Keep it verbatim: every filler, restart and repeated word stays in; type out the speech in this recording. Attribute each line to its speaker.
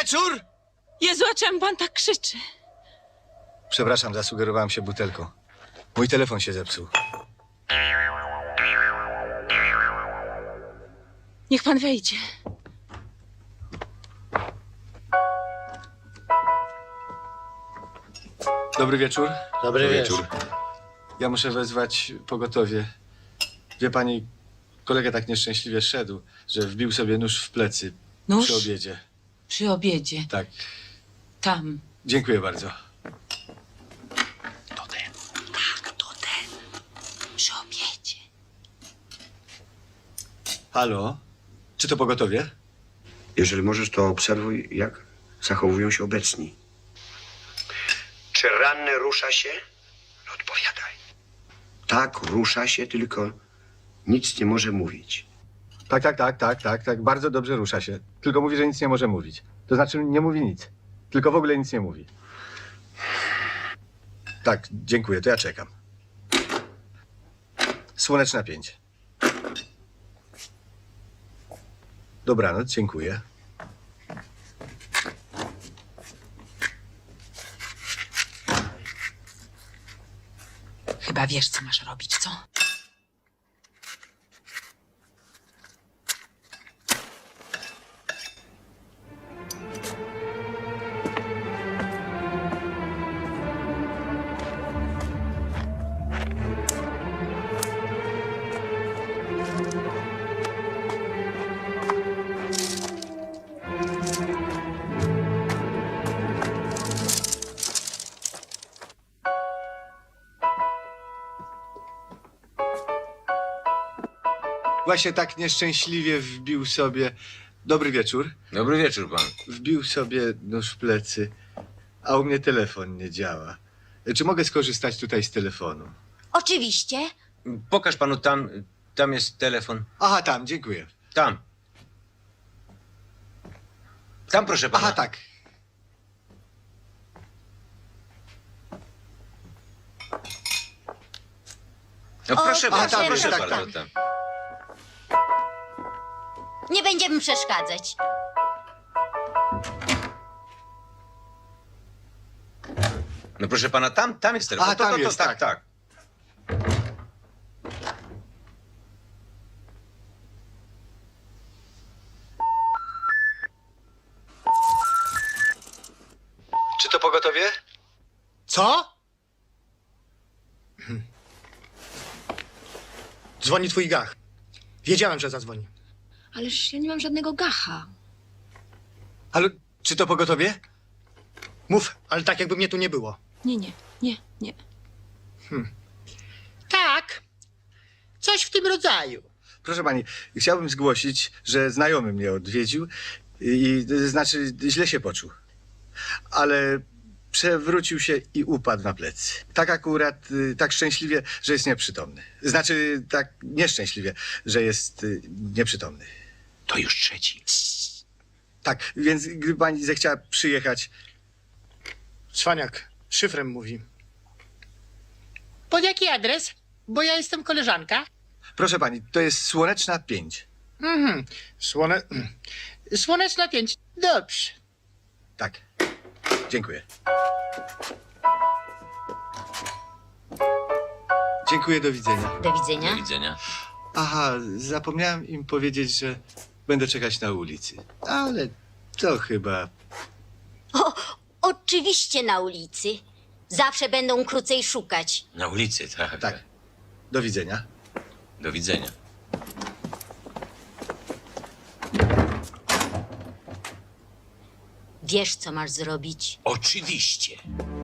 Speaker 1: wieczór!
Speaker 2: Jezu, a czemu pan tak krzyczy?
Speaker 1: Przepraszam, zasugerowałem się butelką. Mój telefon się zepsuł.
Speaker 2: Niech pan wejdzie.
Speaker 1: Dobry wieczór.
Speaker 3: Dobry wieczór.
Speaker 1: Ja muszę wezwać pogotowie. Wie pani, kolega tak nieszczęśliwie szedł, że wbił sobie nóż w plecy
Speaker 2: Nóż?
Speaker 1: przy obiedzie.
Speaker 2: Przy obiedzie.
Speaker 1: Tak.
Speaker 2: Tam.
Speaker 1: Dziękuję bardzo.
Speaker 2: To ten. Tak, to ten. Przy obiedzie.
Speaker 1: Halo? Czy to pogotowie?
Speaker 4: Jeżeli możesz, to obserwuj, jak zachowują się obecni. Czy ranny rusza się? No odpowiadaj. Tak, rusza się, tylko nic nie może mówić.
Speaker 1: Tak, tak, tak, tak, tak, tak. Bardzo dobrze rusza się. Tylko mówi, że nic nie może mówić. To znaczy nie mówi nic. Tylko w ogóle nic nie mówi. Tak, dziękuję, to ja czekam. Słoneczna pięć. Dobranoc, dziękuję.
Speaker 2: Chyba wiesz, co masz robić, co?
Speaker 1: Właśnie tak nieszczęśliwie wbił sobie... Dobry wieczór.
Speaker 3: Dobry wieczór pan.
Speaker 1: Wbił sobie nóż w plecy, a u mnie telefon nie działa. Czy mogę skorzystać tutaj z telefonu?
Speaker 5: Oczywiście.
Speaker 3: Pokaż panu tam, tam jest telefon.
Speaker 1: Aha, tam, dziękuję.
Speaker 3: Tam. Tam proszę pana.
Speaker 1: Aha, tak.
Speaker 3: No
Speaker 5: O,
Speaker 3: proszę
Speaker 5: proszę,
Speaker 3: bardzo,
Speaker 1: proszę,
Speaker 3: proszę
Speaker 1: tak,
Speaker 3: bardzo.
Speaker 1: tak.
Speaker 3: Tam.
Speaker 5: Nie będziemy przeszkadzać.
Speaker 3: No proszę pana, tam, tam jest telefon.
Speaker 1: Aha,
Speaker 3: To,
Speaker 1: tam
Speaker 3: to, to,
Speaker 1: jest,
Speaker 3: tak,
Speaker 1: tak.
Speaker 3: tak.
Speaker 1: Czy to pogotowie?
Speaker 6: Co? Dzwoni twój gach. Wiedziałem, że zadzwoni.
Speaker 7: Ależ ja nie mam żadnego gacha.
Speaker 1: Halo, czy to pogotowie?
Speaker 6: Mów, ale tak jakby mnie tu nie było.
Speaker 7: Nie, nie, nie, nie.
Speaker 6: Tak. Coś w tym rodzaju.
Speaker 1: Proszę pani, chciałbym zgłosić, że znajomy mnie odwiedził i, i znaczy źle się poczuł. Ale przewrócił się i upadł na plecy. Tak akurat, y, tak szczęśliwie, że jest nieprzytomny. Znaczy tak nieszczęśliwie, że jest y, nieprzytomny.
Speaker 3: To już trzeci.
Speaker 1: Tak, więc gdyby pani zechciała przyjechać...
Speaker 6: Cwaniak szyfrem mówi. Pod jaki adres? Bo ja jestem koleżanka.
Speaker 1: Proszę pani, to jest Słoneczna pięć.
Speaker 6: Mhm. Słone... Słoneczna pięć. Dobrze.
Speaker 1: Tak. Dziękuję. Dziękuję, do widzenia.
Speaker 5: Do widzenia.
Speaker 3: Do widzenia.
Speaker 1: Aha, zapomniałem im powiedzieć, że będę czekać na ulicy. Ale to chyba...
Speaker 5: O, oczywiście na ulicy. Zawsze będą krócej szukać.
Speaker 3: Na ulicy, tak.
Speaker 1: Tak. Do widzenia.
Speaker 3: Do widzenia.
Speaker 5: Wiesz, co masz zrobić.
Speaker 3: Oczywiście.